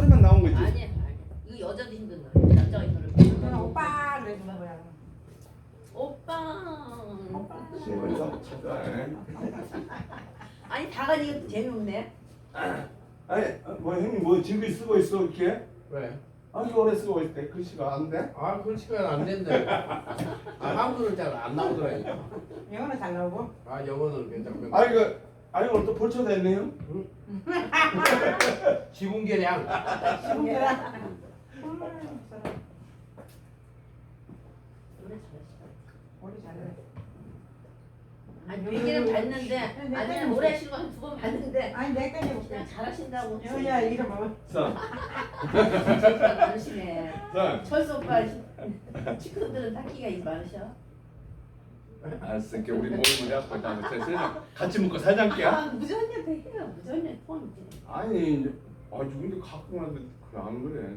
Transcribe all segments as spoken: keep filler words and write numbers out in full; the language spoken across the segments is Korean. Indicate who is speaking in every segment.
Speaker 1: 소리만 나온 거지.
Speaker 2: 아니 아니. 이거 여자도 힘든 노래. 남자가 이 노래 부르는
Speaker 3: 그냥
Speaker 2: 거.
Speaker 3: 오빠 그래 주는 거야.
Speaker 2: 오빠.
Speaker 1: 그래서
Speaker 2: 아니 다가니 이것도 재미없네.
Speaker 1: 아니 뭐 형님 뭐 지금 쓰고 있어 이렇게?
Speaker 4: 왜?
Speaker 1: 아주 오래 쓰고 있대. 글씨가 안 돼?
Speaker 4: 아 글씨가 안 된대. 아 한글은 잘 안 나오더라니까.
Speaker 3: 영어는 잘 나오고.
Speaker 4: 아 영어는 괜찮고.
Speaker 1: 아 이거 아니 오늘 또 벌초 됐네요.
Speaker 4: 지붕계량.
Speaker 3: 지붕계량.
Speaker 2: 노래 잘했어.
Speaker 3: 머리 잘해.
Speaker 2: 아니 얘기는 봤는데 아니 노래 하시는 거 한 두 번 봤는데
Speaker 3: 아니 내가 해볼게.
Speaker 2: 그냥 잘하신다고.
Speaker 3: 여야 이름 뭐?
Speaker 1: 자,
Speaker 2: 진짜 많으시네.
Speaker 1: 자,
Speaker 2: 철수 오빠 친구들은 닦기가 많으셔.
Speaker 1: 알았어. 이렇게 우리 모임을 해갖고 일단 세상 같이 먹고 살자니까.
Speaker 2: 아 무전녀도 해요. 무전녀 포함이지.
Speaker 1: 아니, 이제 아 누군데 갖고 가는데 그안 그래.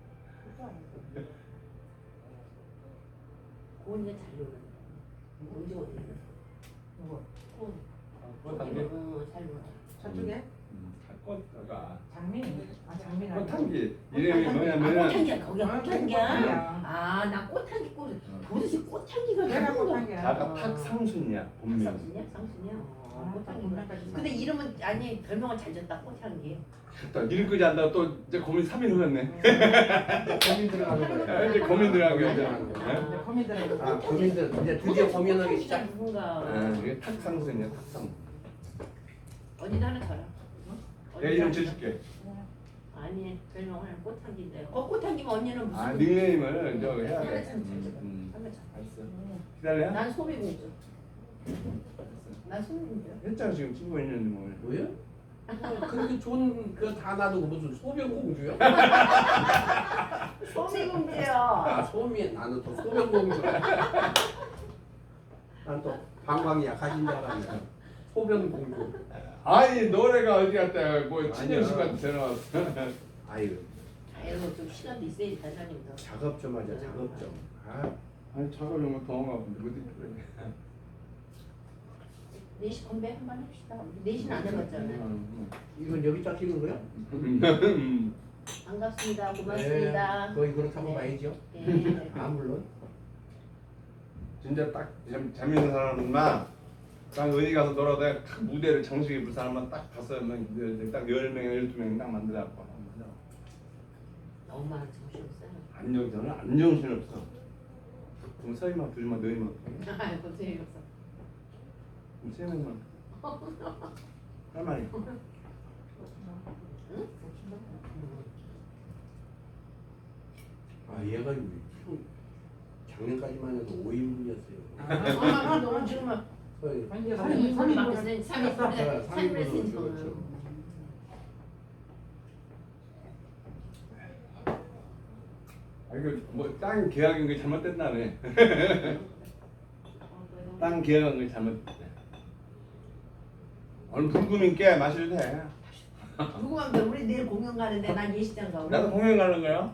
Speaker 2: 고은이가 잘 노래. 언제 어디?
Speaker 3: 누구?
Speaker 2: 고은.
Speaker 1: 그거 단계.
Speaker 2: 어, 잘 노래.
Speaker 3: 저쪽에?
Speaker 1: 할 거다가.
Speaker 3: 장민이. 아 장민 아니야.
Speaker 1: 꽃향기 이름이
Speaker 2: 아,
Speaker 1: 뭐냐면은
Speaker 2: 꽃향기야. 거기가
Speaker 3: 아,
Speaker 2: 꽃향기야.
Speaker 3: 꽃향기야.
Speaker 2: 아, 나 꽃향기 꽃. 도대체 꽃향기가
Speaker 3: 내가
Speaker 2: 무슨 거-
Speaker 3: 꽃향기야.
Speaker 1: 아까 탁상순이야 본명.
Speaker 2: 상순이야? 상순이야? 어,
Speaker 3: 아,
Speaker 2: 꽃향기구나.
Speaker 3: 꽃향기.
Speaker 2: 근데 이름은 아니 별명은 잘 졌다. 꽃향기.
Speaker 1: 또 일끄지 않다가 또 이제 고민 삼 일 흘렀네.
Speaker 4: 고민 들어가는
Speaker 1: 아,
Speaker 4: 거야.
Speaker 1: 이제 고민 들어간 거야. 이제.
Speaker 3: 이제 고민들은
Speaker 4: 아 고민들 이제 드디어 고민하기 시작.
Speaker 2: 누군가.
Speaker 1: 아, 이게 탁상순이야 탁상.
Speaker 2: 언니도 하나 줘라.
Speaker 1: 내가 이름 지어줄게.
Speaker 2: 아니 별명은 꽃향기인데. 어 꽃향기면 언니는 무슨?
Speaker 1: 아 닉네임을 저 해야
Speaker 2: 하나
Speaker 1: 돼.
Speaker 2: 참
Speaker 1: 음,
Speaker 2: 줘.
Speaker 1: 음.
Speaker 2: 하나 참.
Speaker 1: 알았어. 기다려.
Speaker 2: 난 소비공주. 난 소비공주.
Speaker 1: 했잖아 지금 친구 있는데 뭘.
Speaker 4: 뭐야? 어, 그렇게 좋은 그 다 놔두고 무슨 소변공주야?
Speaker 2: 소비공주요.
Speaker 4: 아 소미 나는 또 소변공주야. 난 또 방광이 약하신 줄 알았네. 소변공주.
Speaker 1: 아니 노래가 어디 갔다 뭐
Speaker 4: 아니야.
Speaker 1: 친정식한테 전화 왔어.
Speaker 4: 아유
Speaker 2: 아이고 좀 시간도 있어야지 단장님도.
Speaker 4: 작업 좀 하자 작업 좀. 아
Speaker 1: 아니 차가 정말 더운가 본데 어디 그래.
Speaker 2: 네시 건배 한번 합시다. 네시는 안 해봤잖아요.
Speaker 4: 이건 여기 잡히는 거야?
Speaker 2: 반갑습니다. 고맙습니다.
Speaker 4: 네, 거의 그렇다고
Speaker 2: 네.
Speaker 4: 봐야죠.
Speaker 2: 네.
Speaker 4: 아 물론.
Speaker 1: 진짜 딱 재- 재밌는 사람만 딱 어디 가서 놀아도 딱 무대를 정식 입을 사람만 딱 다섯 명딱열 명 열두 명 딱 만들어갖고
Speaker 2: 너무 많은 정신없어요.
Speaker 1: 안정선은 안정신 없어. 그럼 서희만 둘만 너희만
Speaker 2: 아이고 재미없어.
Speaker 1: 그럼 세 명만 할 말이.
Speaker 4: 아 얘가 형 작년까지만 해도 오 인분이었어요.
Speaker 2: 아, 너무 지금은
Speaker 4: 거의
Speaker 3: 이제
Speaker 2: 삼 일 삼일
Speaker 3: 삼
Speaker 2: 밖에
Speaker 3: 일
Speaker 2: 삼일 삼일
Speaker 4: 네,
Speaker 2: 삼일
Speaker 4: 삼
Speaker 2: 했으니
Speaker 4: 인분은
Speaker 2: 저는.
Speaker 4: 그렇죠.
Speaker 1: 아 이거 뭐땅 계약인 게 잘못됐다네. 땅 계약한 게 잘못됐대. 오늘 불금인 게 마셔도 돼.
Speaker 2: 궁금한데 우리 내일 공연 가는데 난 예식장 가.
Speaker 1: 나도 공연 가는 거야.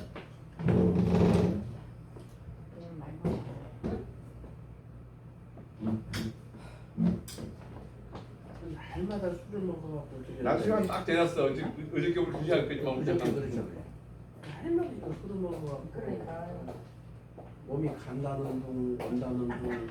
Speaker 4: 날마다 술을 먹어갖고 어떻게
Speaker 1: 나 시간 딱 되었어. 어제 어저께 우리 두 시간까지만
Speaker 4: 어저께
Speaker 1: 먹었잖아.
Speaker 4: 그러잖아요. 날마다 이거 술을 먹어갖고
Speaker 3: 그러니까.
Speaker 4: 몸이 간다는 둥 온다는 둥.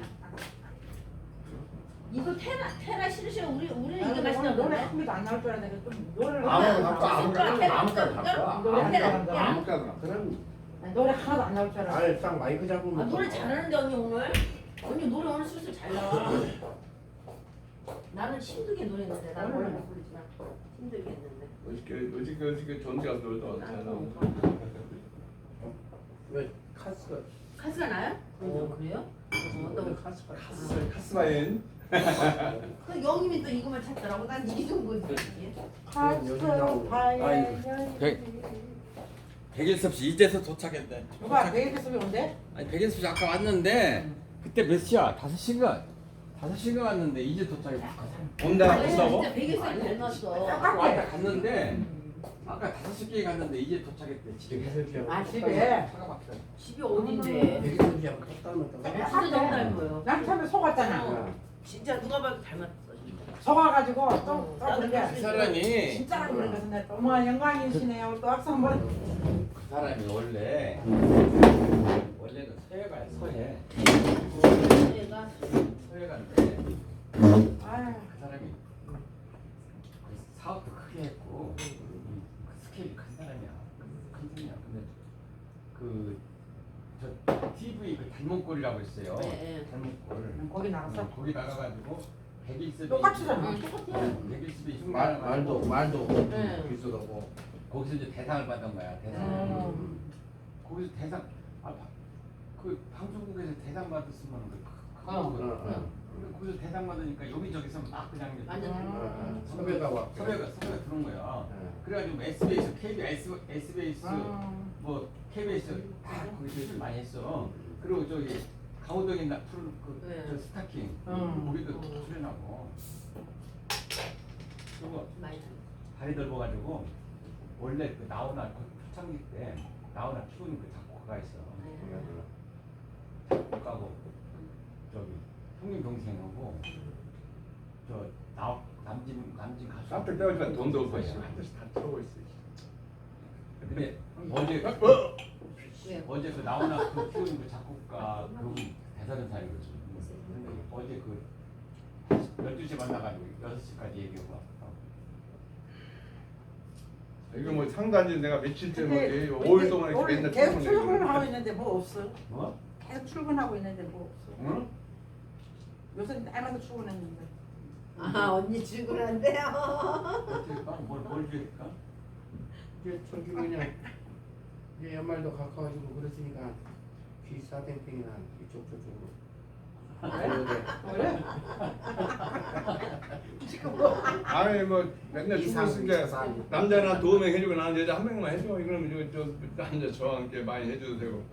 Speaker 2: 이거 테라 테라 싫으시면 우리 우리 이거
Speaker 3: 나는
Speaker 2: 마시나
Speaker 3: 노래
Speaker 2: 보네.
Speaker 3: 한 개도 안 나올 줄 알았는데 좀 노래를
Speaker 1: 아무
Speaker 3: 하나
Speaker 1: 갖고 아무
Speaker 3: 나와.
Speaker 1: 갖고 아무 갖고 갖고
Speaker 3: 노래 안 나온다.
Speaker 1: 아무 갖고
Speaker 4: 그럼
Speaker 3: 아니, 노래 하나도 안 나올 줄 알았어.
Speaker 4: 아예 딱 마이크 잡으면
Speaker 2: 아 노래 잘하는데 언니 오늘. 언니 노래 오늘 슬슬 잘 나와. 나는 힘들게 노래했는데 나 노래 못 부르지만 힘들게 했는데.
Speaker 1: 어저께 어저께 어저께 전대 가서 놀다 왔잖아.
Speaker 4: 왜 카스가
Speaker 2: 카스가 나요? 어 그래요? 어,
Speaker 4: 어떤
Speaker 2: 또
Speaker 4: 카스가
Speaker 1: 카스 카스바인.
Speaker 2: 그 영님이 또 이거만 찾더라고. 난 이게 좋은 거지.
Speaker 4: 여기 나오고.
Speaker 5: 백일섭 씨 이제서 도착했네.
Speaker 3: 누가 내일 뱃속에 온대?
Speaker 5: 아니 백일섭 씨 아까 왔는데 그때 몇 시야? 다섯 시간. 다섯 시간 왔는데 이제 도착했어.
Speaker 1: 온다
Speaker 2: 아니,
Speaker 1: 온다고?
Speaker 2: 진짜 백일선이 잘 나왔어.
Speaker 5: 아까 왔다 갔는데 아까 다섯 시께 갔는데 이제 도착했대. 집에.
Speaker 3: 아 집에.
Speaker 5: 차가 막혀.
Speaker 2: 집이 어딘데?
Speaker 4: 백일선이하고 딱 닮았다고?
Speaker 2: 진짜 너무 닮아요.
Speaker 3: 난 처음에 속았잖아.
Speaker 2: 어. 진짜 누가 봐도 닮았어 진짜.
Speaker 3: 속아가지고
Speaker 2: 어,
Speaker 3: 또 또
Speaker 2: 나도
Speaker 3: 그렇게
Speaker 5: 그 사람이
Speaker 3: 진짜 그래서 내가 너무 영광이시네요. 또 악수 한번.
Speaker 5: 그 사람이 원래 원래는 서해가 서해
Speaker 2: 얘가
Speaker 5: 서해가인데
Speaker 3: 아유.
Speaker 5: 그 사람이 그 사업도 크게 했고 그 스케일이 큰 사람이야. 큰 사람이야. 근데 그저 티비 그 닮은꼴이라고 있어요.
Speaker 2: 네,
Speaker 5: 닮은꼴.
Speaker 3: 거기 나갔어.
Speaker 5: 거기 나가가지고 백일습이
Speaker 3: 똑같이잖아.
Speaker 2: 응, 똑같아요.
Speaker 5: 백일습이
Speaker 4: 말,
Speaker 5: 흉가
Speaker 4: 말도 말도
Speaker 2: 네.
Speaker 4: 비슷하고.
Speaker 5: 거기서 이제 대상을 받은 거야. 대상.
Speaker 3: 음.
Speaker 5: 거기서 대상 아, 바- 그 방송국에서 대상 받았으면 그 큰
Speaker 3: 어.
Speaker 5: 거거든.
Speaker 4: 어, 어.
Speaker 5: 근데 거기서 대상 받으니까 여기저기서 막 그냥 이제
Speaker 2: 완전
Speaker 3: 음.
Speaker 4: 섭외가 왔.
Speaker 5: 섭외가 섭외가 들어온 거야.
Speaker 4: 네.
Speaker 5: 그래가지고 에스비에스, 케이비에스, 에스비에스,
Speaker 3: 음.
Speaker 5: 뭐 케이비에스 다 거기서 많이 했어. 그리고 저기 강호동이 나 푸른
Speaker 2: 네.
Speaker 5: 그저 스타킹
Speaker 3: 음.
Speaker 5: 거기도 출연하고. 그리고
Speaker 2: 많이
Speaker 5: 다리 넓어가지고 원래 그 나훈아 그 초창기 때 나훈아 키우는 그 작곡가가 있어. 작곡가고 저기 형님 동생하고 저 나, 남진 남진 가수.
Speaker 1: 깜짝 때려주면 돈도 없고 씨, 한 대씩 다 들어오고 있어.
Speaker 5: 근데 어제
Speaker 1: 어?
Speaker 2: 왜요?
Speaker 5: 어제 그 나훈아 그 키우는 그 작곡가 그분 대단한 사람이거든. 근데 어제 그 열두 시에 만나가지고 여섯 시까지 얘기하고 왔어.
Speaker 1: 이거 뭐 상단지 내가 며칠
Speaker 3: 근데
Speaker 1: 전에 오 일 동안 이렇게
Speaker 3: 원래
Speaker 1: 맨날
Speaker 3: 계속
Speaker 1: 출근해.
Speaker 3: 출근을 하고 있는데 뭐 없어.
Speaker 5: 뭐?
Speaker 3: 계속 출근하고 있는데 뭐 없어.
Speaker 5: 응?
Speaker 3: 요새 날마다 출근했는데.
Speaker 2: 아 언니 출근한대요.
Speaker 5: 어떻게 까? 뭘, 뭘 줄까?
Speaker 4: 이제 저기 그냥 이제 연말도 가까워지고 그랬으니까 귀사땡땡이나 이쪽 저쪽으로.
Speaker 3: 그래?
Speaker 1: 아니 뭐 맨날 죽고 있으니까 남자나 두 명 해주고 나는 여자 한 명만 해줘. 이러면 저, 저 남자 저와 함께 많이 해줘도 되고.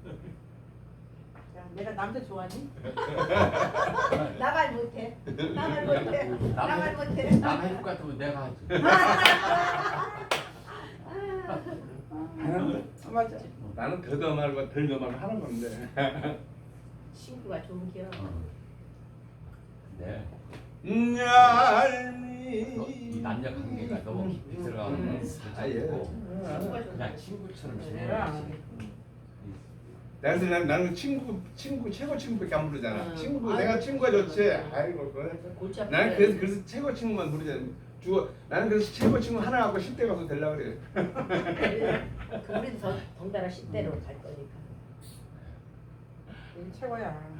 Speaker 3: 야, 내가 남자 좋아하니?
Speaker 2: 나말 못해. 나말 못해. 나말 못해.
Speaker 5: 남 해줄 것 같으면 내가 하지.
Speaker 3: 아, 맞아.
Speaker 1: 나는 더더 말고 덜더 말고 하는 건데.
Speaker 2: 친구가 좋은 기억.
Speaker 5: 어. 근데
Speaker 1: 얄미.
Speaker 5: 너, 이 남녀 관계가 너무 깊이 들어가면
Speaker 2: 음.
Speaker 1: 아, 예.
Speaker 2: 친구가 좋은
Speaker 5: 그냥 친구처럼
Speaker 3: 그래.
Speaker 5: 지내야지.
Speaker 1: 나는 난 나는 친구 친구 최고 친구밖에 안 부르잖아.
Speaker 2: 음.
Speaker 1: 친구
Speaker 2: 아이고,
Speaker 1: 내가 친구가 좋지.
Speaker 2: 그래.
Speaker 1: 아이고 그.
Speaker 2: 골치 아프네.
Speaker 1: 나는 그래서 그래서 최고 친구만 부르잖아. 주 나는 그래서 최고 친구 하나 갖고 십 대 가서 되려 그래.
Speaker 2: 그 우리도 더 덩달아 십 대로 갈 거니까.
Speaker 3: 이게 최고야.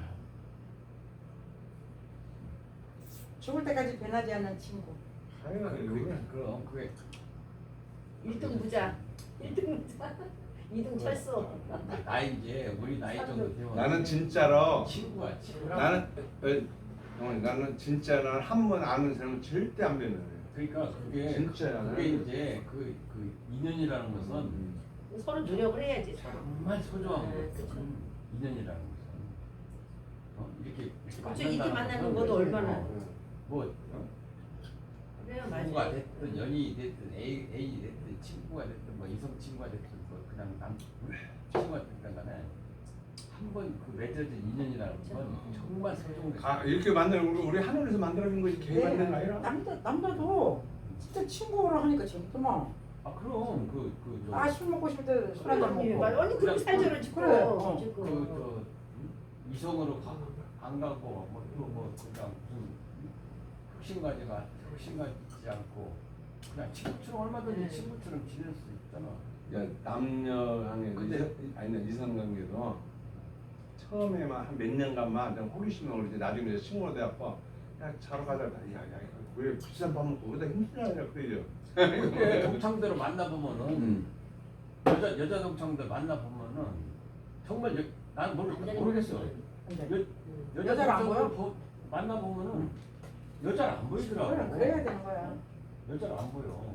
Speaker 3: 죽을 때까지 변하지 않는 친구.
Speaker 1: 아유
Speaker 5: 그게 그럼 그게
Speaker 2: 일 등 부자, 일 등 부자, 이 등 철수.
Speaker 5: 나이 이제 우리 나이 정도 되면
Speaker 1: 나는 진짜로
Speaker 5: 친구야 친구.
Speaker 1: 나는 어, 어머니 나는 진짜 나는 한 번 아는 사람은 절대 안 변해.
Speaker 5: 그러니까 그게
Speaker 1: 진짜야.
Speaker 5: 그게 이제 그 그 인연이라는 것은
Speaker 2: 서로 노력을 해야지. 서로.
Speaker 5: 정말 소중한
Speaker 2: 네,
Speaker 5: 거.
Speaker 2: 그쵸.
Speaker 5: 인연이라는 것은 어? 이렇게 이렇게
Speaker 2: 그쵸, 이렇게
Speaker 5: 만난다는
Speaker 2: 만나는
Speaker 5: 것은
Speaker 2: 것도 얼마나.
Speaker 5: 어, 뭐
Speaker 2: 그래요,
Speaker 5: 부부가
Speaker 2: 맞아요.
Speaker 5: 됐든 연인이 됐든 A A 됐든 친구가 됐든 뭐 이성 친구가 됐든 뭐 그냥 남 친구가 됐든 간에 한 번 그 맺어진 인연이라는 건 정말 소중한 거.
Speaker 1: 아 이렇게 만드는 우리 우리 하늘에서 만들어진 거지 개 만든 거 아니라.
Speaker 3: 남자 남자도 진짜 친구로 하니까 재밌더만.
Speaker 5: 아 그럼 그그
Speaker 3: 아 술 먹고 싶을 때 술 한잔
Speaker 2: 언니,
Speaker 3: 먹고.
Speaker 2: 언니 그렇게 살쪄를 찍고.
Speaker 3: 그래, 어.
Speaker 2: 찍고.
Speaker 5: 그저 이성으로 가, 안 가고 뭐또뭐 그냥 무슨 흑심가지가 흑심가지 않고 그냥 친구처럼 얼마든지
Speaker 2: 네.
Speaker 5: 친구처럼 지낼 수 있잖아.
Speaker 1: 야 남녀 관계
Speaker 5: 근데-
Speaker 1: 아니 이성 관계도 처음에만 한 몇 년간만 좀 호기심을 그러지 나중에 이제 친구가 돼갖고 야 자러 가자. 야야 왜 비싼 밥 먹고 그러다 힘들어하냐 그래요.
Speaker 5: 근데 동창들을 만나보면은
Speaker 1: 음.
Speaker 5: 여자 여자 동창들 만나보면은 정말 여, 나는 모르, 모르겠어. 여, 여자
Speaker 3: 여자를 안
Speaker 5: 동창들
Speaker 3: 보여?
Speaker 5: 보- 만나보면은 여자를 안 보이더라고.
Speaker 3: 그래 그래야 되는 거야.
Speaker 5: 여자를 안 보여.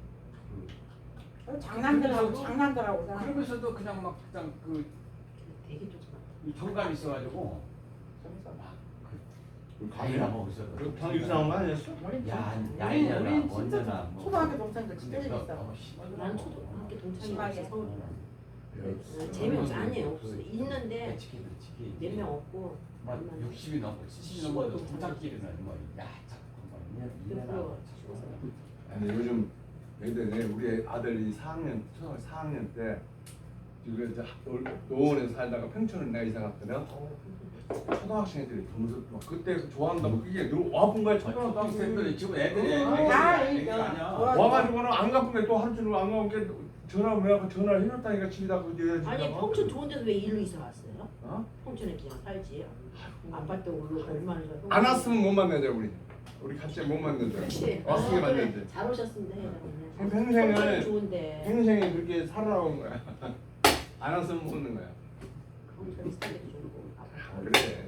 Speaker 5: 그,
Speaker 3: 장난들하고
Speaker 5: 그러면서도-
Speaker 3: 장난들하고 잖아.
Speaker 5: 그러면서도 그냥 막 그냥 그
Speaker 2: 되게 좋구나.
Speaker 5: 이 정감이 있어가지고
Speaker 3: 재밌어.
Speaker 5: 그 과일이나 먹고 있어.
Speaker 1: 방 이상한 거 아니었어?
Speaker 5: 야,
Speaker 3: 우리
Speaker 5: 야이냐나
Speaker 3: 우리 진짜
Speaker 5: 뭐냐나 뭐.
Speaker 3: 초등학교 동생들 진짜
Speaker 5: 근데 너
Speaker 3: 재밌어.
Speaker 5: 너무 심하더라고.
Speaker 2: 난 초등학교 동창이
Speaker 3: 심하게.
Speaker 2: 없어. 서울.
Speaker 1: 예.
Speaker 2: 재미없어. 아니에요. 없어. 있는데
Speaker 5: 치킨 치킨.
Speaker 2: 몇 명 없고.
Speaker 5: 막 육십이 넘고 칠십이 넘어도 동창끼리는 뭐야 자꾸 년 일 년 하고
Speaker 1: 아니 요즘 애들이 우리 아들이 사 학년 초등학교 사 학년 때 지금 이제 노원에서 살다가 평촌을 내가 이사 갔거든. 초등학생 애들이 점수 막 그때 좋아한다고 그게 늘 와본 거야 초등학생들이.
Speaker 5: 초등학생들이 지금 애들이
Speaker 3: 아,
Speaker 5: 애기가
Speaker 3: 그러니까.
Speaker 5: 아니야.
Speaker 1: 와가지고는 안 갚은 게 또 하루 종일 안 갚은 게 전화 왜 하고 전화를 해놨다니까 집에다 그 내야지.
Speaker 2: 아니 평촌 좋은 데서 왜 일로 이사 왔어요?
Speaker 1: 어?
Speaker 2: 평촌에 그냥 살지. 아파트 올라 얼마나 좋아.
Speaker 1: 안 왔으면 못 만나자 우리. 우리 같이 못 만나자.
Speaker 2: 그렇지.
Speaker 1: 왔으면
Speaker 2: 어, 그래.
Speaker 1: 만나지.
Speaker 2: 잘 오셨습니다.
Speaker 1: 음. 평생을-
Speaker 2: 평촌은 좋은데.
Speaker 1: 평생에 그렇게 살아온 거야. 안 왔으면 못 오는 거야.
Speaker 2: 평촌 살기 좋고.
Speaker 1: 아, 그래.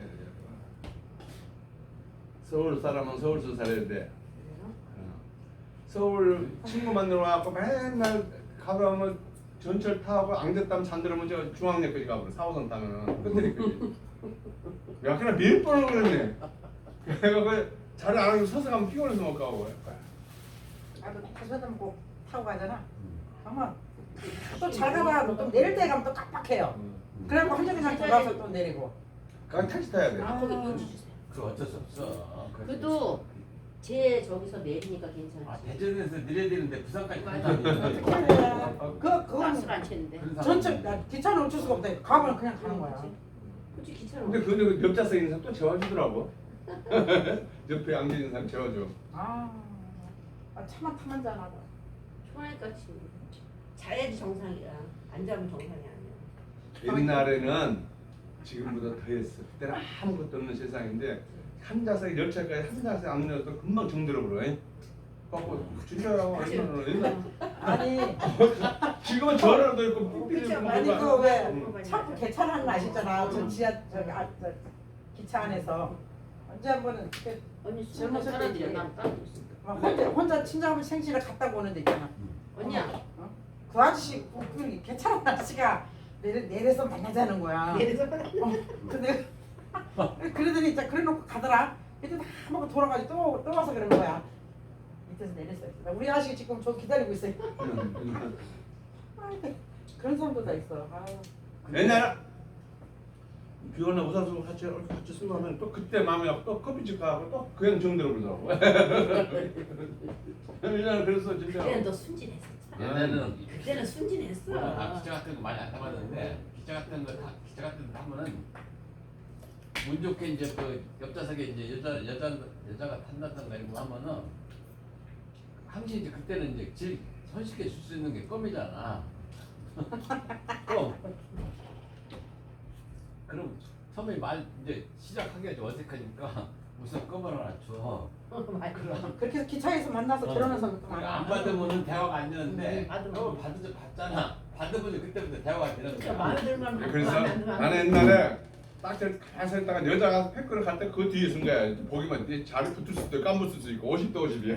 Speaker 1: 서울 사람은 서울서 살아야 돼.
Speaker 2: 그래요?
Speaker 1: 어. 서울 친구 만나러 와갖고 맨날 가보면 전철 타고 앙대땀 잔들으면 저 중앙역까지 가버려. 사 호선 타면은 끝내리까지. 야 그냥 몇 번을 그랬네. 내가 그 자리 안 하고 서서 가면 피곤해서 못 가고.
Speaker 3: 나도 다시 꼭 타고 가잖아. 가면 또 잘 가봐. 또 내릴 때 가면 또 깜빡해요. 그래갖고 한 적에 그냥 돌아서 또 내리고.
Speaker 1: 그냥 택시 타야 돼.
Speaker 2: 아 거기 눈치 주세요.
Speaker 5: 그 어쩔 수 없어.
Speaker 2: 그래도 제 저기서 내리니까
Speaker 5: 아
Speaker 2: 괜찮지.
Speaker 5: 대전에서 내려야 되는데 부산까지
Speaker 2: 맞아.
Speaker 5: 간다니.
Speaker 3: 어떻게 해야 돼? 그 그건
Speaker 2: 버스를 안 챘는데.
Speaker 3: 전철 나 기차는 어쩔 수가 없다. 가면 그냥 가는 거야.
Speaker 2: 그렇지 기차는.
Speaker 1: 근데 근데 그 옆좌석에 있는 사람 또 재워주더라고. 옆에 앉아 있는 사람 재워줘.
Speaker 3: 아, 아 차만 타면 잖아.
Speaker 2: 좋아하니까 지금 자야지 정상이야. 안 자면 정상이 아니야.
Speaker 1: 옛날에는 지금보다 더했어. 그때는 아무것도 없는 세상인데 한 좌석에 열차까지 한 좌석에 앉아서 금방 정들어 버려. 갖고 진짜라고 얼마나 옛날
Speaker 3: 아니
Speaker 1: 지금은 전화도 있고 삐삐도 있고
Speaker 3: 아니
Speaker 1: 뭐가.
Speaker 3: 그왜
Speaker 1: 응.
Speaker 3: 자꾸 개찰하는 거 아시잖아. 저 지하 저기 아, 저 기차 안에서 언제 한 번은 그
Speaker 2: 언니
Speaker 3: 젊은
Speaker 2: 젊은
Speaker 3: 사람들이
Speaker 2: 사람들이 난 따로 있어.
Speaker 3: 막 혼자 혼자 친정하면 생신을 갔다 오는 데 있잖아.
Speaker 2: 언니야.
Speaker 3: 어? 그 아저씨 그, 그 개찰하는 아저씨가 내려 내려서 만나자는 거야.
Speaker 2: 내려서
Speaker 3: 어, 근데 그러더니 진짜 그래놓고 가더라. 그때 다 먹고 돌아가지고 또, 또 와서 그러는 거야. 밑에서 내렸어요. 우리 아저씨 지금 저 기다리고 있어요. 아이고, 그런 사람도 다 있어. 아유.
Speaker 1: 옛날에 비오나 우산수 같이 같이 쓰고 하면 또 그때 마음에 갖고 또 커피집 가고 또 그냥 정들어 버리더라고. 옛날에 그랬어 진짜.
Speaker 2: 그때는 너 순진했었잖아.
Speaker 5: 옛날에는
Speaker 2: 그때는 순진했어.
Speaker 5: 아, 기차 같은 거 많이 안 타봤는데 기차 같은 거 타, 기차 같은 거 타면은 운 좋게 이제 그 옆좌석에 이제 여자 여자 여자가 탄다든가 이런 거 하면은 항상 이제 그때는 이제 제일 손쉽게 줄 수 있는 게 껌이잖아. 껌. 그럼 처음에 말 이제 시작하기가 좀 어색하니까 무슨 껌을 하나 줘. 그럼
Speaker 3: 그렇게 해서 기차에서 만나서
Speaker 5: 어.
Speaker 3: 결혼한 사람도
Speaker 5: 그래,
Speaker 3: 많아.
Speaker 5: 안 받으면은 대화가 안 되는데
Speaker 2: 음, 받으면.
Speaker 5: 어 받으 받잖아. 받으면 그때부터 대화가 되는
Speaker 2: 진짜
Speaker 5: 거야.
Speaker 2: 마음에 들만
Speaker 1: 그래서
Speaker 2: 마음에 안 들면 안
Speaker 1: 나는
Speaker 2: 돼.
Speaker 1: 옛날에 딱 저렇게 가서 있다가 여자가 팩크를 갈 때 그 뒤에 쓴 거야. 보기만 내 자리 붙을 수도 있고 깜붙을 수 있고 오십 대 오십이야.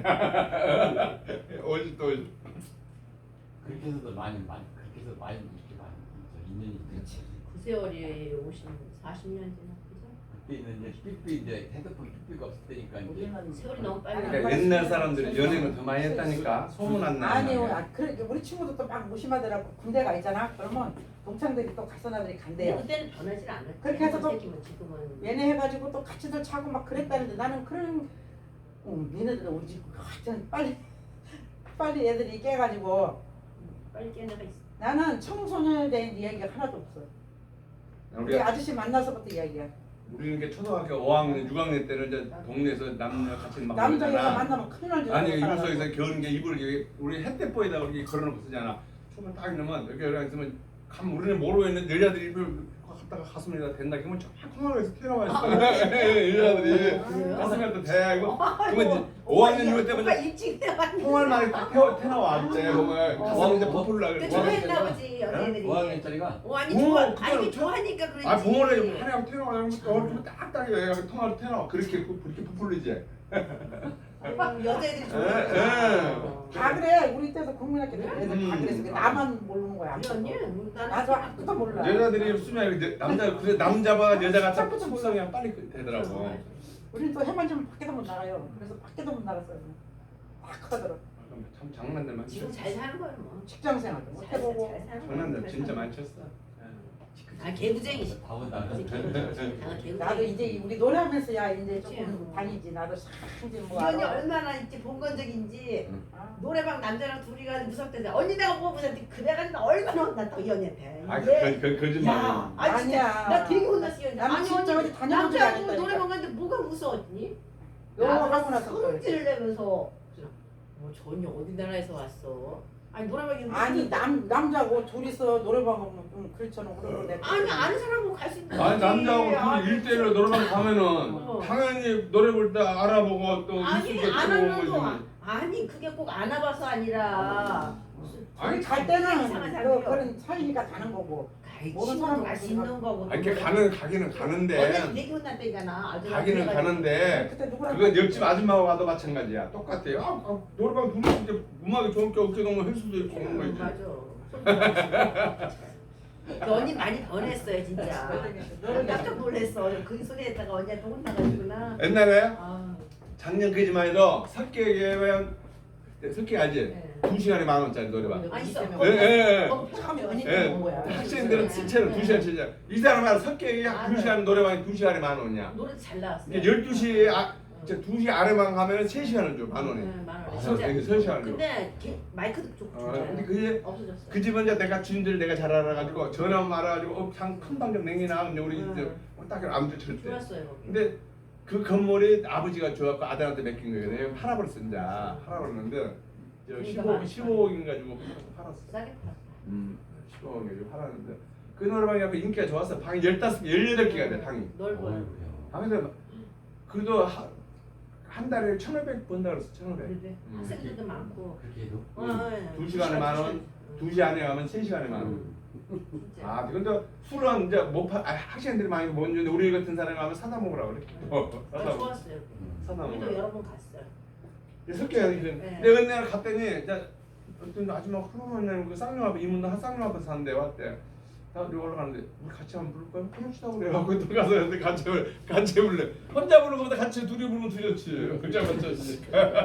Speaker 1: 오십 대 오십.
Speaker 5: 그렇게 해서도 많이 많이 그렇게 해서 많이 이렇게 많이 저 인연이 있지.
Speaker 2: 그 세월이 오십, 사십 년 지나 그죠?
Speaker 5: 그때는 이제 삐삐 이제 핸드폰 삐삐가 없을 때니까 이제
Speaker 2: 세월이 너무 빨리
Speaker 3: 아니,
Speaker 2: 가.
Speaker 1: 그러니까 옛날 사람들이 연애는 더 많이 했다니까 소문 안 나는.
Speaker 3: 아니요, 아, 그래 우리 친구도 또 막 무심하더라고. 군대 가 있잖아. 그러면 동창들이 또 가서나들이
Speaker 2: 근데
Speaker 3: 간대요.
Speaker 2: 그때는 변하지 않았지.
Speaker 3: 그렇게 해서 또
Speaker 2: 새끼면 지금은
Speaker 3: 얘네 해가지고 또 같이들 차고 막 그랬다는데 나는 그런 어, 얘네들은 우리 집 하여튼 빨리 빨리 애들이 깨가지고
Speaker 2: 빨리 깨나가 있어.
Speaker 3: 나는 청소년에 대한 이야기가 하나도 없어. 우리
Speaker 1: 우리가
Speaker 3: 아저씨 만나서부터 이야기야.
Speaker 1: 우리는 게 초등학교 오 학년, 육 학년 때는 이제 동네에서 남녀 같이 막
Speaker 3: 남자 여자
Speaker 1: 놀잖아.
Speaker 3: 만나면 큰일 나지.
Speaker 1: 아니 이불속에서 겨울에 이불을 이렇게 우리 햇대포에다 이렇게 걸어놓고 쓰잖아. 추우면 딱 이러면 이렇게 이렇게 있으면 감 우리는 모르고 있는데 여자들이 이불 갖다가 가슴에다 댄다. 그러면 조그마하게서 튀어나와 있어. 여자들이
Speaker 2: 그래요?
Speaker 1: 가슴에다 대. 이거 그러면 이제 오 학년 이후 때부터
Speaker 2: 오빠 일찍 해봤는데.
Speaker 1: 통을 많이 딱 태워 태나와 이제 보면 가슴에 이제 부풀라
Speaker 2: 그때
Speaker 1: 그래.
Speaker 2: 좋아했나 보지 여자애들이.
Speaker 5: 오 학년짜리가
Speaker 2: 오 아니
Speaker 1: 오,
Speaker 2: 좋아.
Speaker 1: 그때는
Speaker 2: 아니
Speaker 1: 저-
Speaker 2: 좋아하니까 그러지.
Speaker 1: 아 봉어를 하냐고 태나와 얼굴 딱딱해 통화로 태나와 그렇게 그렇게 부풀리지.
Speaker 2: 아이고, 여자애들이
Speaker 1: 에,
Speaker 2: 좋아했어.
Speaker 3: 다 그래. 우리 때도 국민학교 때 애들 다
Speaker 1: 음.
Speaker 3: 그랬어. 나만 모르는 거야.
Speaker 2: 우리 언니 나는
Speaker 3: 나도 아무것도 몰라.
Speaker 1: 여자들이 쓰면 이제 남자 그래 남자봐 여자가 자꾸
Speaker 3: 자꾸
Speaker 1: 숙성이 빨리 되더라고.
Speaker 3: 우리는 또 해만 좀 밖에도 못 나가요. 그래서 밖에도 못 나갔어요. 막 하더라고.
Speaker 1: 참 장난들
Speaker 2: 지금
Speaker 1: 많지.
Speaker 2: 잘 사는 거야 뭐.
Speaker 3: 직장 생활도 못
Speaker 2: 잘,
Speaker 3: 해보고.
Speaker 2: 잘 사는 거야.
Speaker 1: 장난들
Speaker 2: 잘
Speaker 1: 진짜
Speaker 2: 사는
Speaker 1: 많이 쳤어.
Speaker 5: 그
Speaker 2: 아 개구쟁이.
Speaker 5: 다 온다.
Speaker 2: 이제 개구쟁이. 아 개구쟁이.
Speaker 3: 나도 이제 우리 노래하면서야 이제
Speaker 2: 그치.
Speaker 3: 조금 다니지. 나도 싹 이제 뭐
Speaker 6: 이 언니
Speaker 3: 알아.
Speaker 6: 얼마나 이제 본건적인지
Speaker 3: 아,
Speaker 6: 노래방 남자랑 둘이 가서 무섭대. 언니 내가 보고 무섭대. 그래가지고 나 얼마나 혼났다 이 언니한테.
Speaker 1: 아,
Speaker 6: 이게-
Speaker 1: 그, 그, 거짓말.
Speaker 6: 야, 아 진짜
Speaker 3: 아니야.
Speaker 6: 나 되게 혼났어 이 언니.
Speaker 3: 나는
Speaker 6: 아니
Speaker 3: 진짜
Speaker 6: 언니
Speaker 3: 어디 다녀본 적이
Speaker 6: 남자하고
Speaker 3: 아니다니까.
Speaker 6: 노래방 갔는데 뭐가 무서웠니?
Speaker 3: 요거 하고
Speaker 6: 나보고
Speaker 3: 나서
Speaker 6: 성질을 내면서
Speaker 2: 뭐 전혀 어디 나라에서 왔어?
Speaker 6: 아니 노래방에
Speaker 3: 아니 남 남자고 둘이서 노래방 가면 좀 그렇잖아. 그러고 내가
Speaker 6: 아니 아는 사람하고 갈 수 있는
Speaker 1: 아니 남자하고
Speaker 6: 아니,
Speaker 1: 둘이 일대일로 노래방 가면은
Speaker 6: 어.
Speaker 1: 당연히 노래 볼 때 알아보고 또
Speaker 6: 아니
Speaker 1: 일수도
Speaker 6: 안
Speaker 1: 들어오고
Speaker 6: 하는 거
Speaker 1: 그러지.
Speaker 6: 아니 그게 꼭 안아봐서 아니라
Speaker 1: 아니
Speaker 3: 갈 때는
Speaker 6: 이상한
Speaker 3: 그
Speaker 6: 사람이요.
Speaker 3: 그런 사이니까 가는 거고.
Speaker 6: 가이
Speaker 3: 모르는
Speaker 6: 친구도
Speaker 3: 사람
Speaker 6: 갈수 있는 거고
Speaker 1: 아니 이렇게 가는 가기는
Speaker 6: 언니
Speaker 1: 가는데
Speaker 6: 되게 혼났다잖아 아주
Speaker 1: 가기는 가는데
Speaker 3: 그때 누구랑
Speaker 1: 그건 옆집 아줌마하고 가도 마찬가지야. 똑같아요. 아, 아, 노래방 둘이 이제 음악이 좋은 게 어깨 동무 할 수도 있고 그런 거지.
Speaker 6: 맞아 그 언니 많이 변했어요 진짜 깜짝 놀랐어 그 소리 했다가 언니한테 혼나가지구나
Speaker 1: 옛날에
Speaker 6: 아,
Speaker 1: 작년 그지만 해도 석계에면 석계 알지?
Speaker 6: 네.
Speaker 1: 두 시간에 만 원짜리 노래방.
Speaker 6: 아 있어
Speaker 1: 예, 예, 예.
Speaker 6: 어,
Speaker 3: 참
Speaker 6: 어,
Speaker 3: 연예인
Speaker 1: 예.
Speaker 3: 온 거야.
Speaker 1: 학생들은 실제로 두 시간 치자. 이 사람은 석계에 두 시간 노래방에 두 시간에 만 원이야.
Speaker 6: 노래 잘 나왔어
Speaker 1: 이게 열두 시에 아, 이제 두 시 아래만 가면 세 시간을 줘, 만 원에.
Speaker 6: 네, 만 원에
Speaker 1: 아,
Speaker 6: 진짜
Speaker 1: 이게 세 시간을 줘.
Speaker 6: 근데 걔 마이크도 좋고
Speaker 1: 어,
Speaker 6: 진짜
Speaker 1: 근데 그게
Speaker 6: 없어졌어
Speaker 1: 그 집은 이제 내가 주인들 내가 잘 알아가지고 전화 말아가지고 어, 장큰 방좀 냉이나 근데 우리 이제 딱 아무도 절대.
Speaker 6: 좋았어요 거기
Speaker 1: 근데 그 건물이 아버지가 줘갖고 아들한테 맡긴 거거든요. 팔아버렸어 이제 팔아버렸는데
Speaker 6: 그러니까
Speaker 1: 십오
Speaker 6: 많이
Speaker 1: 십오억인 가지고 팔았어.
Speaker 6: 싸게 팔았어
Speaker 1: 음, 십오억 가지고 팔았는데 그 노래방이 갖고 인기가 좋았어. 방이 열다섯, 열여덟 개가 돼 방이.
Speaker 6: 넓어요
Speaker 1: 방에서 그래도 하, 한 달에 천오백 번다 그랬어. 천오백.
Speaker 6: 그래
Speaker 1: 음.
Speaker 6: 학생들도 많고
Speaker 5: 그렇게 해도.
Speaker 6: 어, 어,
Speaker 1: 두 시간에 만 원, 두 시 안에 가면 세 시간에 만 원.
Speaker 6: 진짜
Speaker 1: 아, 근데 술은 이제 못 파, 아, 학생들이 많이 못 주는데 우리 같은 사람이 가면 사다 먹으라 그래. 어,
Speaker 6: 아,
Speaker 1: 사다 먹.
Speaker 6: 좋았어요
Speaker 1: 사다
Speaker 6: 우리도
Speaker 1: 먹으라.
Speaker 6: 여러 번 갔어요
Speaker 1: 석계가 그
Speaker 6: 네.
Speaker 1: 내가 그날 갔더니 이제 어떤 아줌마 하루만에 그 쌍용 앞에 이문도 한 쌍용 앞에 사는데 왔대. 나 우리 올라가는데 우리 같이 한번 부를 거야? 그럽시다 그래갖고 또 가서 근데 같이 불- 같이 불래. 혼자 부르는 것보다 같이 둘이 부르면 더 좋지. 혼자 맞췄지.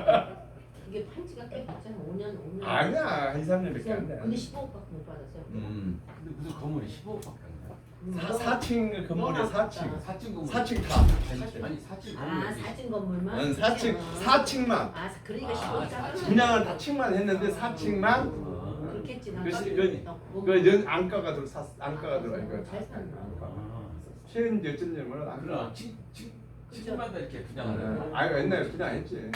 Speaker 6: 그게 판지가 꽤 됐잖아 오 년 오 년
Speaker 1: 아니야 한 이, 삼 년밖에 안 돼.
Speaker 6: 근데 십오억밖에 못 받았어요
Speaker 1: 음.
Speaker 5: 근데 무슨 건물이 십오억밖에 안 돼.
Speaker 1: 사 사층 건물이 사층.
Speaker 5: 사층 건물.
Speaker 1: 사층 다.
Speaker 5: 아니, 아니 사층 건물.
Speaker 6: 아 사진 건물만?
Speaker 1: 응, 사층 사층만.
Speaker 6: 아 그러니까
Speaker 5: 아,
Speaker 6: 십오억
Speaker 5: 사층.
Speaker 1: 분양은 다 층만 했는데 사층만
Speaker 5: 어.
Speaker 6: 그렇겠지 난
Speaker 1: 그
Speaker 6: 깜짝
Speaker 1: 시-
Speaker 6: 놀랐다.
Speaker 1: 그연 안가가 들어 사 안가가 들어 이거.
Speaker 6: 잘 샀나?
Speaker 5: 아.
Speaker 1: 최근 어쩐냐면 안
Speaker 5: 그럼 층, 층, 층마다 이렇게 분양을 해요.
Speaker 1: 아 옛날에 그냥 했지.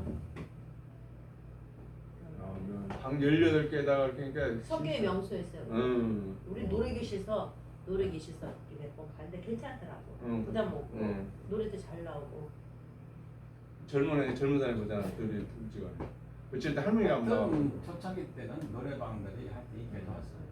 Speaker 1: 방 열여덟 개에다가 그러니까.
Speaker 6: 석유의 명소였어요
Speaker 1: 음.
Speaker 6: 우리 노래교실서 노래교실서 이렇게 몇번 갔는데 괜찮더라고
Speaker 1: 응.
Speaker 6: 부담 없고
Speaker 1: 응.
Speaker 6: 노래도 잘 나오고
Speaker 1: 젊은 애 젊은 사람이 보잖아. 둘이 둘지가. 어쨌든 때 할머니가 안 나와.
Speaker 5: 어떤 초창기 때는 노래방들이 한때 인기가 좋았어요.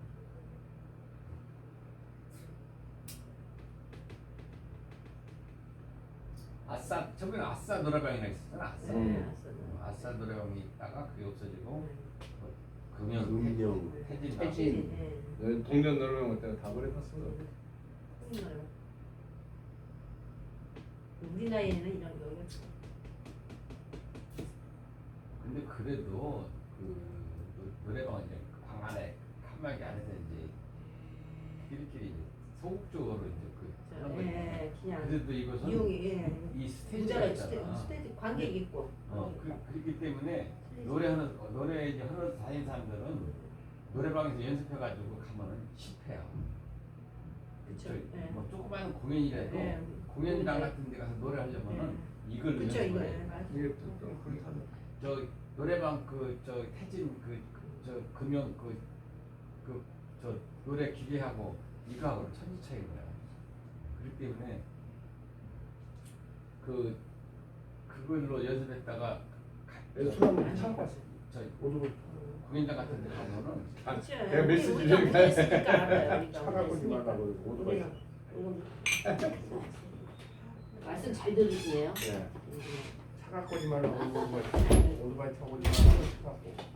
Speaker 5: 아싸, 저번에 아싸 노래방이나 있었잖아. 아싸.
Speaker 1: 음.
Speaker 6: 네, 알았어요.
Speaker 5: 아싸 노래방이 있다가 그게 없어지고
Speaker 6: 네.
Speaker 5: 금연,
Speaker 4: 금연,
Speaker 5: 태진,
Speaker 4: 태진.
Speaker 6: 네.
Speaker 1: 동전 노래방 그때가 다 버려봤어.
Speaker 6: 정말요. 우리 나이에는 이런 여유가 있어.
Speaker 5: 근데 그래도 그 노- 노래방은 이제 방 안에 칸막이 안에서 이제 끼리끼리 이제 소극적으로 이제 그 하는 거지.
Speaker 6: 예, 그냥
Speaker 5: 그래도 이것은
Speaker 6: 이용이 예.
Speaker 5: 이 스테이지가
Speaker 6: 부자가 스테,
Speaker 5: 있잖아.
Speaker 6: 스테이지 관객 있고.
Speaker 5: 어, 그, 그렇기 때문에 노래하는 어, 노래 이제 하는 다니는 사람들은 노래방에서 연습해가지고 가면은 실패야.
Speaker 6: 그쵸.
Speaker 5: 저,
Speaker 6: 예.
Speaker 5: 뭐 조그마한 공연이라도
Speaker 6: 예.
Speaker 5: 공연장 같은 데 가서 노래하려면은 이걸
Speaker 6: 그쵸
Speaker 5: 연습을
Speaker 6: 이거.
Speaker 5: 해.
Speaker 6: 예, 맞아요.
Speaker 1: 이게 좀- 좀 그렇다.
Speaker 5: 저 노래방 그 저 태진 그 저 금연 그 그 저 노래 기계하고 이거하고는 천지 차이인 거야. 그렇기 때문에 그 그걸로 연습했다가
Speaker 1: 술 한번 참고 왔어.
Speaker 5: 저
Speaker 1: 오늘
Speaker 5: 공연장 같은 데 가면은
Speaker 1: 아,
Speaker 6: 그쵸.
Speaker 1: 내가
Speaker 6: 우리-
Speaker 1: 메시지
Speaker 6: 우리가
Speaker 1: 좀
Speaker 6: 못했으니까 알아요. 우리가
Speaker 1: 차가고
Speaker 6: 못했으니까.
Speaker 1: 말라고 오토바이.
Speaker 6: 우리가 이거 말씀 잘 들으시네요.
Speaker 1: 네.
Speaker 6: 음.
Speaker 1: 차가 꼬지 말라고 오토바이 오토바이 타고 오지 말라고 차가고.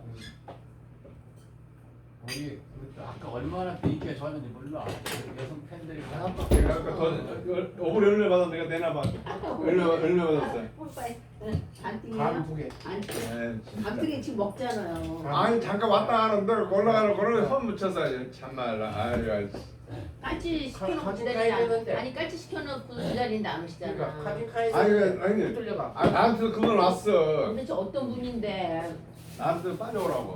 Speaker 5: 거기 그 아까 얼마나 또 인기가 좋았는지 몰라. 그 여성 팬들이 다
Speaker 1: 내가 아까 더 오브리 얼마 받아 내가 내나 봐. 얼마 얼마 받았어?
Speaker 6: 뽀빠이.
Speaker 2: 안띵이에요?
Speaker 4: 감 두 개.
Speaker 2: 안띵.
Speaker 1: 네, 진짜.
Speaker 2: 감튀기 지금 먹잖아요.
Speaker 1: 아니 잠깐 왔다 가는데 올라가는 거를 손 묻혀서 참말라. 아유.
Speaker 2: 깔치 시켜놓고
Speaker 4: 가-
Speaker 2: 기다리지
Speaker 4: 가야
Speaker 2: 않-
Speaker 4: 되는데.
Speaker 2: 아니 깔치 시켜놓고 기다리는데 안 오시잖아.
Speaker 4: 그러니까 카진카에서
Speaker 1: 아니 아니.
Speaker 4: 들려가.
Speaker 1: 아 나한테 그분 왔어.
Speaker 2: 도대체 어떤 분인데
Speaker 1: 나한테 빨리 오라고.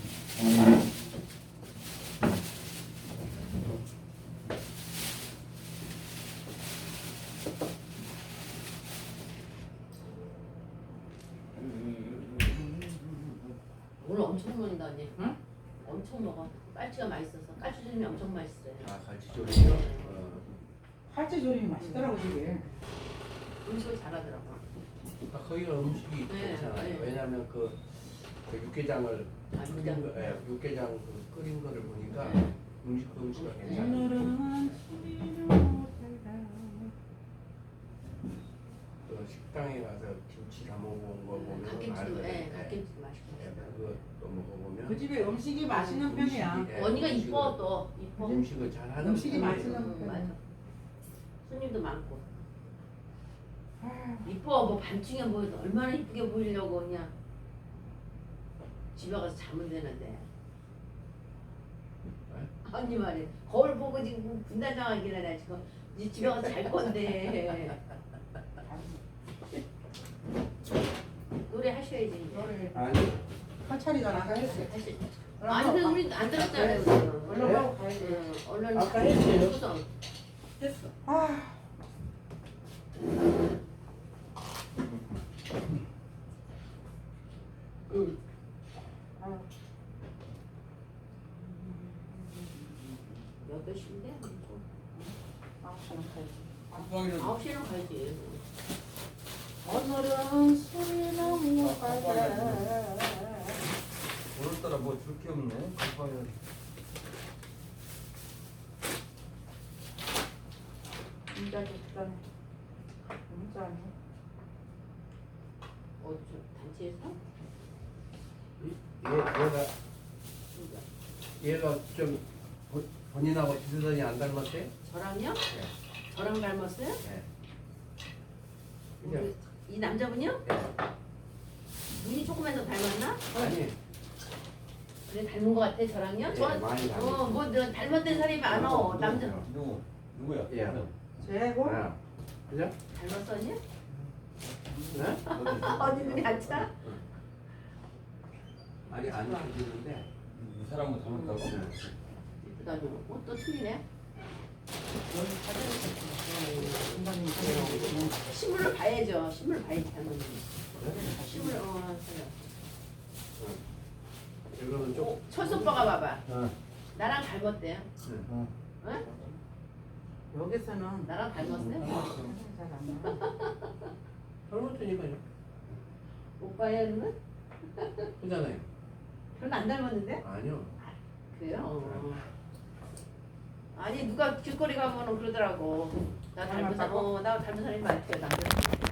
Speaker 2: 오늘 엄청 먹는다니.
Speaker 3: 응?
Speaker 2: 엄청 먹어. 깔치가 맛있어서 깔치조림이 엄청 맛있어요.
Speaker 4: 아 갈치 조림이요? 어.
Speaker 3: 팔찌 조림이 맛있더라고 되게.
Speaker 2: 음식을 잘하더라고.
Speaker 4: 아, 거기가 음식이
Speaker 2: 네,
Speaker 4: 괜찮아요.
Speaker 2: 네.
Speaker 4: 왜냐하면 그, 그 육개장을
Speaker 2: 아,
Speaker 4: 끓인
Speaker 2: 육개장.
Speaker 4: 거, 예, 육개장 그 끓인 거를 보니까
Speaker 2: 네.
Speaker 4: 음식 그 음식이
Speaker 2: 네.
Speaker 4: 괜찮아요.
Speaker 3: 오늘은 술이 못하다.
Speaker 4: 그 식당에 가서 김치 다 먹어본 거 보면
Speaker 2: 갓김치도
Speaker 4: 알거든요.
Speaker 2: 예,
Speaker 4: 예,
Speaker 2: 갓김치도 맛있고.
Speaker 4: 그것도 먹어보면
Speaker 3: 그 집에 음식이 맛있는 편이야.
Speaker 4: 음식이, 예,
Speaker 2: 언니가
Speaker 4: 음식을-
Speaker 2: 이뻐 또 이뻐.
Speaker 4: 음식을 잘 하는
Speaker 3: 음식이
Speaker 4: 편이에요.
Speaker 3: 맛있는
Speaker 2: 음,
Speaker 3: 편이야.
Speaker 2: 맞아. 손님도 많고.
Speaker 3: 아,
Speaker 2: 이뻐 뭐 밤중에 뭐 얼마나 이쁘게 보이려고 그냥 집에 가서 자면 되는데. 언니 말이 거울 보고 지금 분단장하기는 나 지금 이제 집에 가서 잘 건데. 노래 하셔야지 이제.
Speaker 3: 너를
Speaker 4: 아니
Speaker 3: 한차리잖아. 아까 했어.
Speaker 2: 하시. 아니 근데 우리 안 들었잖아요. 지금.
Speaker 3: 얼른 하고 가야지.
Speaker 2: 응, 얼른
Speaker 4: 아까 했어요.
Speaker 2: 구성.
Speaker 3: 됐어. 아,
Speaker 2: 응.
Speaker 3: 아,
Speaker 2: 여덟 시인데
Speaker 3: 아홉 시는 가야지.
Speaker 5: 깜빡이는
Speaker 2: 아홉 시는 가야지.
Speaker 3: 오늘은 술이 너무 가자.
Speaker 7: 오늘따라 뭐 줄 게 없네. 급하게.
Speaker 3: 진짜 좋다네. 진짜네.
Speaker 2: 어디 단체에서?
Speaker 4: 얘, 얘가
Speaker 2: 진짜.
Speaker 4: 얘가 좀 본- 본인하고 비슷하니 안 닮았대?
Speaker 2: 저랑요?
Speaker 4: 네.
Speaker 2: 저랑 닮았어요?
Speaker 4: 네. 그냥
Speaker 2: 우리- 이 남자분이요? 눈이 조금만 더 닮았나?
Speaker 4: 아니
Speaker 2: 그래 닮은 것 같아 저랑요?
Speaker 4: 네,
Speaker 2: 저
Speaker 4: 많이 닮았어.
Speaker 2: 어, 뭐 너 닮았던 사람이 많어. 남자
Speaker 5: 누구 누구야?
Speaker 4: 예.
Speaker 3: 제고
Speaker 4: 아, 그죠?
Speaker 2: 닮았어 언니?
Speaker 4: 네?
Speaker 2: 언니 눈이 안 차?
Speaker 4: 아니 안 닮았는데
Speaker 5: 이 사람은 닮았다고?
Speaker 2: 이쁘다니. 어, 또 틀리네.
Speaker 3: 중간님
Speaker 2: 신물을 봐야죠. 신물을 봐야지 닮았는. 신물 어 그래.
Speaker 4: 이거는 좀
Speaker 2: 어, 철수 오빠가 봐봐.
Speaker 7: 어.
Speaker 2: 나랑 닮았대요.
Speaker 7: 어.
Speaker 2: 응?
Speaker 3: 여기서는
Speaker 2: 나랑 닮았어요?
Speaker 3: 잘안 나.
Speaker 4: 닮았으니까요.
Speaker 2: 오빠의 눈은?
Speaker 4: 그잖아요.
Speaker 2: 별로 안 닮았는데?
Speaker 4: 아니요.
Speaker 2: 그래요? 어. 아니 누가 길거리 가면은 그러더라고. 나 닮은 사람,
Speaker 3: 닮았다고?
Speaker 2: 어, 나 닮은 사람이 많대요 남자.